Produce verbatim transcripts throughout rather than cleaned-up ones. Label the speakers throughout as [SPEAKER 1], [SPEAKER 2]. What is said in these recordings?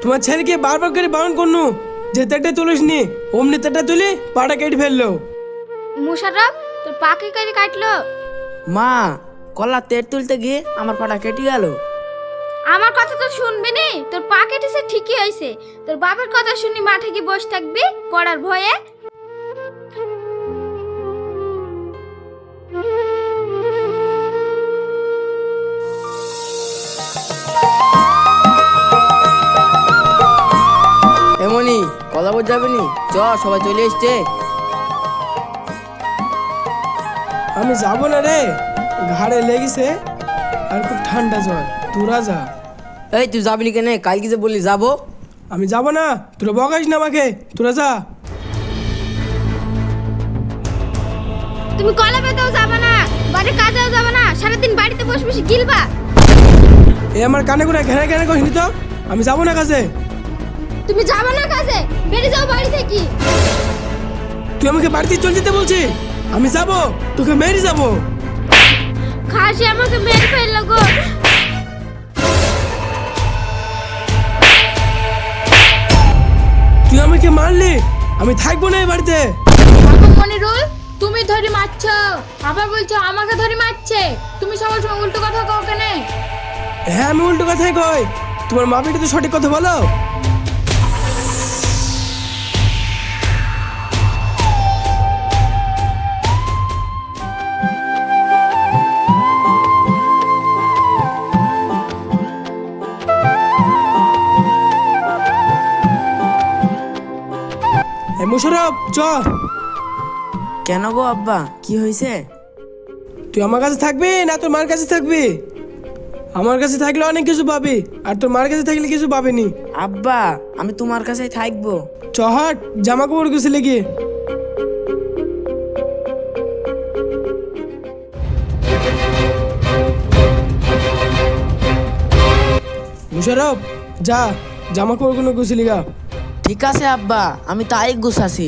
[SPEAKER 1] তোমার ছেলেকে বারবার করে বারণ করনু যে তেটা তুলিস নি, অমনি তেটা তুলি পাটা কেটে ফেললো।
[SPEAKER 2] মুশারফ তোর পা কি করে কাটলো?
[SPEAKER 3] মা, কলা তেল তুলতে গিয়ে আমার পাটা কেটে গেল।
[SPEAKER 2] আমার কথা তো শুনবি নি, তোর পা কেটেছে ঠিকই হয়েছে। তোর বাবার কথা শুনি মাঠে গিয়ে বসে থাকবি পড়ার ভয়ে।
[SPEAKER 3] এমনই কলা বোঝ যাবে নি, চ সবাই চলে এসছে।
[SPEAKER 1] আমি যাব না রে, ঘাড়ে লেগেছে আর খুব ঠান্ডা জ্বর, তোরা যা।
[SPEAKER 3] এই তুই যাবি নি কেন? কালকে যে বললি যাবো।
[SPEAKER 1] আমি যাব না, তোরা বকাস না আমাকে, তোরা যা।
[SPEAKER 2] তুমি কলা পেতেও যাবে না, বাড়ির কাজেও যাবে না, সারাদিন বাড়িতে বসে বসে গিলবা।
[SPEAKER 1] এ আমার কানে করে ঘেরা ঘেরা কহিনি তো, আমি যাব না কাজে।
[SPEAKER 2] তুমি যাবে না কাজে, বেরিয়ে যাও বাড়ি থেকে।
[SPEAKER 1] তুই আমাকে বাড়িতে চলে যেতে বলছিস? আমি যাব, তোকে মেরে যাব।
[SPEAKER 2] খাসি আমাকে মেরে ফেললো গো।
[SPEAKER 1] তুই আমাকে মারলি, আমি থাকবো না এই বাড়িতে।
[SPEAKER 4] মনিরুল, তুমি ধরে মারছো, আবার বলছো আমাকে ধরে মারছে। তুমি সবার সময় উল্টো কথা কও কেন?
[SPEAKER 1] হ্যাঁ আমি উল্টো কথাই কই, তোমার মা বেটি তো সঠিক কথা বলো। মুশারফ চ।
[SPEAKER 3] কেন গো আব্বা, কি হয়েছে?
[SPEAKER 1] তুই আমার কাছে থাকবি না তোর মার কাছে থাকবি? আমার কাছে থাকলে অনেক কিছু পাবি, আর তোর মার কাছে থাকলে কিছু পাবিনি।
[SPEAKER 3] আব্বা, আমি তোমার কাছেই থাকবো।
[SPEAKER 1] চহাট জামা কাপড় গুছলে গিয়ে। মুশারফ যা, জামা কাপড় গুলো গুছলি গা।
[SPEAKER 3] ঠিক আছে আব্বা, আমি তাই গুছাছি।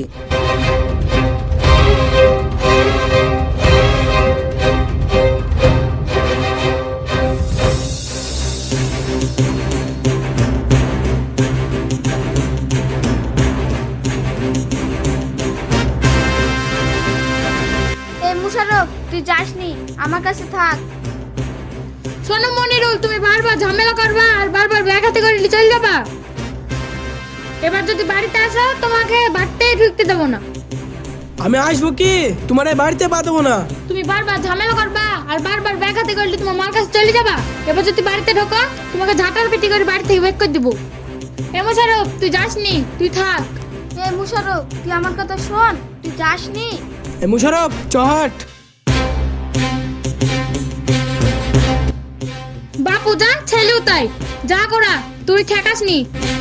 [SPEAKER 2] এই মুশারফ তুই যাসনি, আমার কাছে থাক।
[SPEAKER 4] শোনো মনিরুল, তুমি বারবার ঝামেলা করবা আর বারবার ব্যাগ হাতে করে নিয়ে চলে যাবা। এবার যদি বাড়িতে আসো তোমাকে বাড়িতেই ঢুকতে দেবো না।
[SPEAKER 1] আমি আসবো কি, তোমার এই বাড়িতে পা দেবো না।
[SPEAKER 4] তুমি বারবার ঝামেলা করবা আর বারবার ব্যাগ হাতে করলে তোমার মার কাছে চলে যাবা। এবার যদি বাড়িতে ঢোকো তোমাকে ঝাঁটার পিটি করে বাড়ি থেকে বের করে দেবো। এ মোশারফ, তুই যাসনি, তুই থাক।
[SPEAKER 2] এই মুশারফ তুই আমার কথা শোন, তুই যাসনি।
[SPEAKER 1] এই মুশারফ চহাট।
[SPEAKER 4] বাপু যা, ছেলেও তাই, যা করা তুই ঠেকাসনি।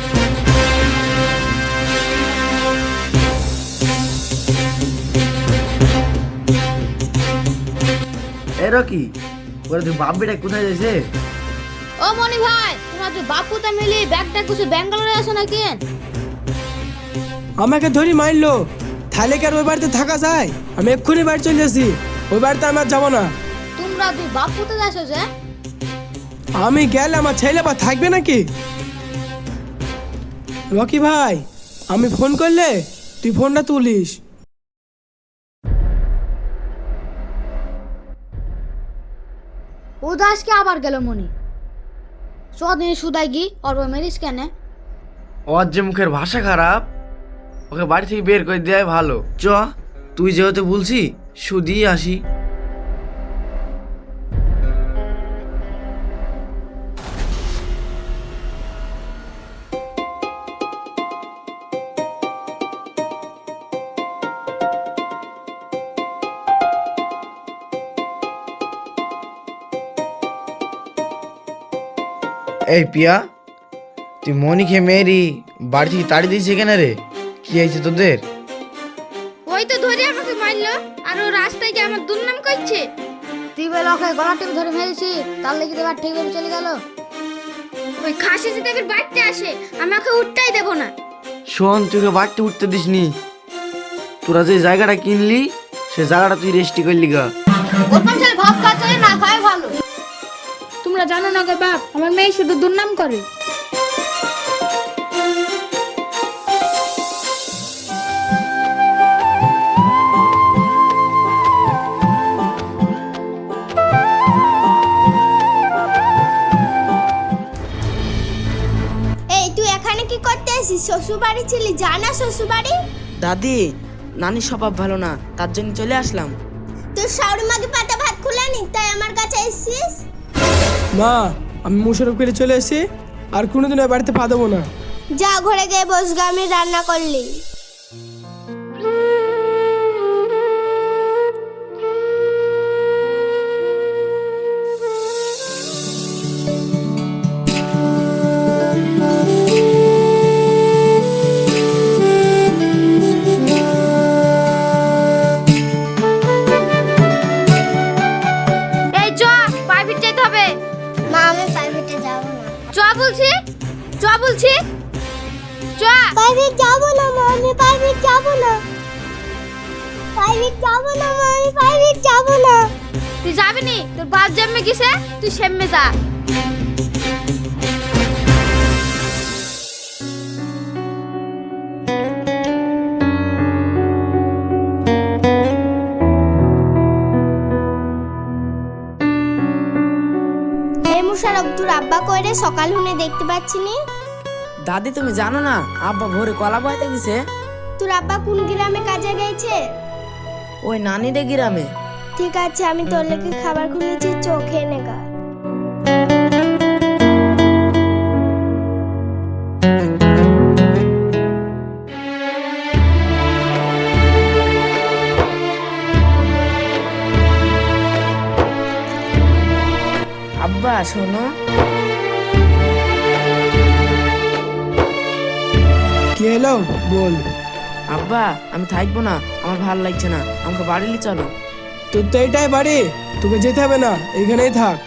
[SPEAKER 5] এরো কি ওরা তুই বাপ বেটা কোথায় যাইছে?
[SPEAKER 2] ও মনি ভাই, তোমরা তুই বাপুতা মিলি ব্যাগটা কিছু ব্যাঙ্গালোরে আসো না কেন?
[SPEAKER 1] আমাকে ধরি মারলো, তাহলে কি আর ওই বাড়িতে থাকা যায়? আমি এক্ষুনি বাড়ি চলে আসি, ওই বাড়িতে আমি আর যাবো না।
[SPEAKER 2] তোমরা তুই বাপুতে যাচ্ছ যে?
[SPEAKER 1] আমি গেলে আমার ছেলে বা থাকবে নাকি? রকি ভাই, আমি ফোন করলে তুই ফোনটা তুলিস।
[SPEAKER 2] ও দাসকে আবার গেল মনি। চদিন সুদাই গি অর্ব মেরিস কেন?
[SPEAKER 5] ওর যে মুখের ভাষা খারাপ, ওকে বাড়ি থেকে বের করে দেওয়াই ভালো। চ, তুই যেহেতু বলছি শুধিয়ে আসি। এই পিয়া, তুই মনিকে মেরি বাড়ি থেকে তাড়ি দিয়েছে কেন রে? কি হয়েছে তোদের?
[SPEAKER 2] ওই তো ধরে আমাকে মারলো, আর ও রাস্তায় গিয়ে আমার দুর্নাম করছে। তুই বলে ওকে গলা টিপে ধরে মেরেছি, তার লেগে এবার ঠিক ভাবে চলে গেল। ওই খাসি যদি এবার বাড়িতে আসে, আমি ওকে উঠতেই দেবো না।
[SPEAKER 5] শোন, তুই ওকে বাড়িতে উঠতে দিসনি। তোরা যে জায়গাটা কিনলি সে জায়গাটা তুই রেস্টি করলি গা।
[SPEAKER 2] ওরকম ছেলে ভাব খাচ্ছে না, খায় ভালো।
[SPEAKER 4] তোমরা জানো না গো বাপ, আমার মেয়ে শুধু দুর্নাম করে।
[SPEAKER 6] আসিস? শ্বশুর বাড়ি ছিলি, জানা শ্বশুর বাড়ি?
[SPEAKER 3] দাদি, নানির স্বভাব ভালো না, তার জন্য চলে আসলাম।
[SPEAKER 6] তোর শাশুড়ি মাকে পাতা ভাত খুলানি, তাই আমার কাছে এসেছিস?
[SPEAKER 1] মা, আমি মুশারফ করে চলে এসেছি, আর কোনোদিন ওই বাড়িতে পা দেবো না।
[SPEAKER 6] যা ঘরে গিয়ে বসগা, আমি রান্না করলি।
[SPEAKER 2] এই চ, প্রাইভেট যেতে হবে।
[SPEAKER 6] মা, আমি প্রাইভেটে যাব না।
[SPEAKER 2] চ বলছি, চ বলছি, চ।
[SPEAKER 6] প্রাইভেট যাব না মা, আমি প্রাইভেট যাব না। প্রাইভেট যাব না মা, আমি প্রাইভেট যাব না।
[SPEAKER 2] তুই যাবি নি? তোর বাপ জন্মে গেছে, তুই সেমে যা।
[SPEAKER 6] এই মুশারফ, তোর আব্বা কইরে সকাল হুনে দেখতে পাচ্ছি নি?
[SPEAKER 3] দাদি, তুমি জানো না আব্বা ভোরে কলা বইতে গেছে?
[SPEAKER 6] তোর আব্বা কোন গ্রামে কাজে গেছে?
[SPEAKER 3] ওই নানিদের গ্রামে।
[SPEAKER 6] ঠিক আছে, আমি তোর লেগে খাবার খুলেছি, চোখে নেগা।
[SPEAKER 3] আব্বা শোনো।
[SPEAKER 1] কি এলো বল।
[SPEAKER 3] আব্বা, আমি থাকবো না, আমার ভালো লাগছে না, আমাকে বাড়ি নিয়ে চলো।
[SPEAKER 1] তোর তো এইটাই বাড়ি, তোকে যেতে হবে না, এইখানেই থাক।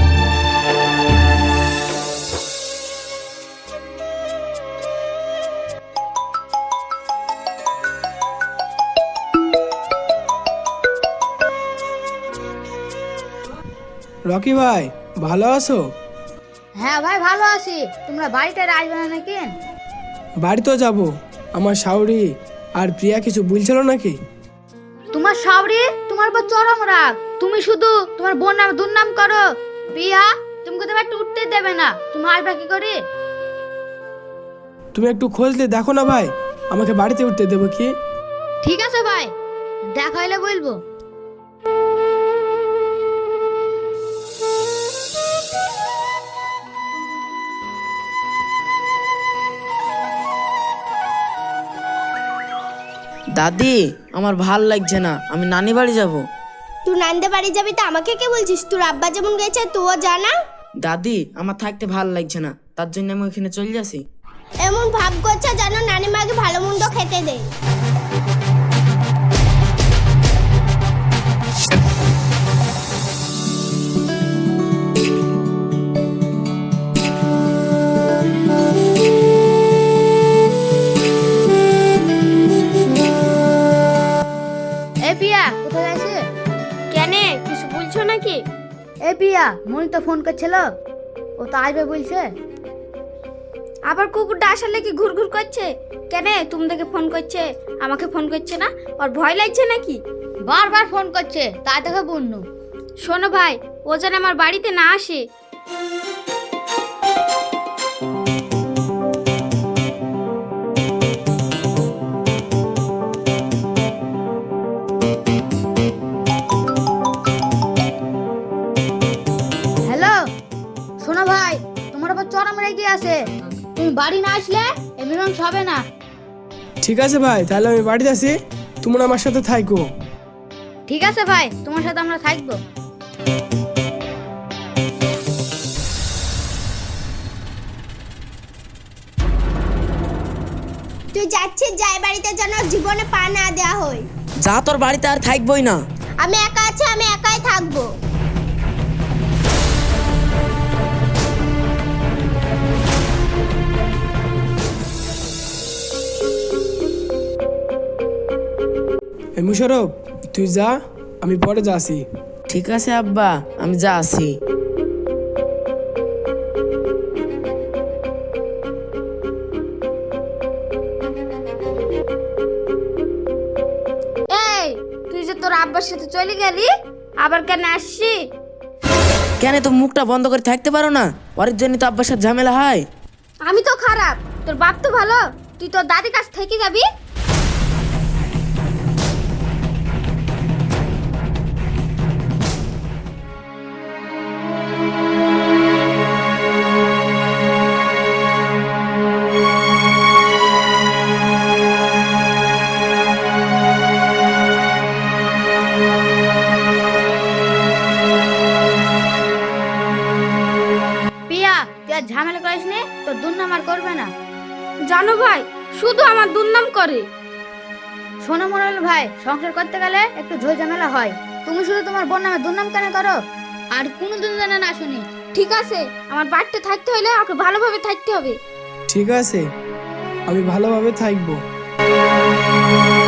[SPEAKER 1] রকি ভাই, ভালো আছো?
[SPEAKER 2] হ্যাঁ ভাই, ভালো আছি। তোমরা বাড়িতে আসবে না নাকি?
[SPEAKER 1] বাড়িতেও যাব। আমার শাওরি আর প্রিয়া কিছু বলছিল নাকি?
[SPEAKER 2] তোমার শাওরি তোমার উপর চরম রাগ। তুমি শুধু তোমার বোন নাম দুর্নাম করো। প্রিয়া তোমাকে তো একটু উঠতে দেবে না, তুমি আসবে কি করে?
[SPEAKER 1] তুমি একটু খোঁজলে দেখো না ভাই, আমাকে বাড়িতে উঠতে দেবো কি?
[SPEAKER 2] ঠিক আছে ভাই, দেখা হইলে বলবো।
[SPEAKER 3] দাদি, আমার ভাল লাগছে না, আমি নানি বাড়ি যাব।
[SPEAKER 6] তুই নান্দে বাড়ি যাবি তো আমাকে কে বলছিস? তোর আব্বা যেমন গেছে তুইও জানা।
[SPEAKER 3] দাদি, আমার থাকতে ভাল লাগছে না, তার জন্য আমি ওইখানে চলে যাচ্ছি।
[SPEAKER 6] এমন ভাব করছে জানো নানি মাকে ভালো মন্দ খেতে দে।
[SPEAKER 2] এ প্রিয়া, কোথায় আছে?
[SPEAKER 6] কেন, কিছু বলছো নাকি?
[SPEAKER 2] এ প্রিয়া, মনি তো ফোন করছিল, ও তো আসবে বলছে।
[SPEAKER 6] আবার কুকুরটা আসার কি ঘুর ঘুর করছে? কেন, তুমি দেখে ফোন করছে, আমাকে ফোন করছে না? ওর ভয় লাগছে নাকি?
[SPEAKER 2] বারবার ফোন করছে, তাই দেখে বন্যু।
[SPEAKER 6] শোনো ভাই, ও যেন আমার বাড়িতে না আসে।
[SPEAKER 2] হ্যালো, শোনো ভাই, তোমার উপর চরম রেগে আছে। তুমি বাড়ি না আসলে এ মীমাংসা হবে না।
[SPEAKER 1] ঠিক আছে ভাই, তাহলে আমি বাড়িতে আসি, তোমরা আমার সাথে থাকো।
[SPEAKER 2] ঠিক আছে ভাই, তোমার সাথে আমরা থাকবো।
[SPEAKER 6] তুই যাচ্ছিস, যাই বাড়িতে যেন জীবনে পা না দেওয়া হয়।
[SPEAKER 3] যা, তোর বাড়িতে আর থাকবোই না।
[SPEAKER 6] আমি একা আছি, আমি একাই থাকবো।
[SPEAKER 1] এই মুশারফ, তুই যা, আমি পরে যাচ্ছি।
[SPEAKER 3] ঠিক আছে আব্বা, আমি যা আসি।
[SPEAKER 6] এই, তুই যে তোর আব্বার সাথে চলে গেলি, আবার কেন আসছি?
[SPEAKER 3] কেন তো মুখটা বন্ধ করে থাকতে পারো না? পরের জন্য তো আব্বার সাথে ঝামেলা হয়।
[SPEAKER 6] আমি তো খারাপ, তোর বাপ তো ভালো, তুই তোর দাদির কাছ থেকে যাবি।
[SPEAKER 2] পিয়া তুই আর ঝামেলা করিস নে, তোর দুর্নাম আর করবে না।
[SPEAKER 6] জানো ভাই, শুধু আমার দুর্নাম করে।
[SPEAKER 2] শোনো মনোল ভাই, সংসার করতে গেলে একটু ঝই ঝামেলা হয়। তুমি শুধু তোমার বোন নামে দুর্নাম কেন করো? আর কোনোদিন যেন না শুনি।
[SPEAKER 6] ঠিক আছে, আমার বাড়িতে থাকতে হলে ওকে ভালোভাবে থাকতে হবে।
[SPEAKER 1] ঠিক আছে, আমি ভালোভাবে থাকবো।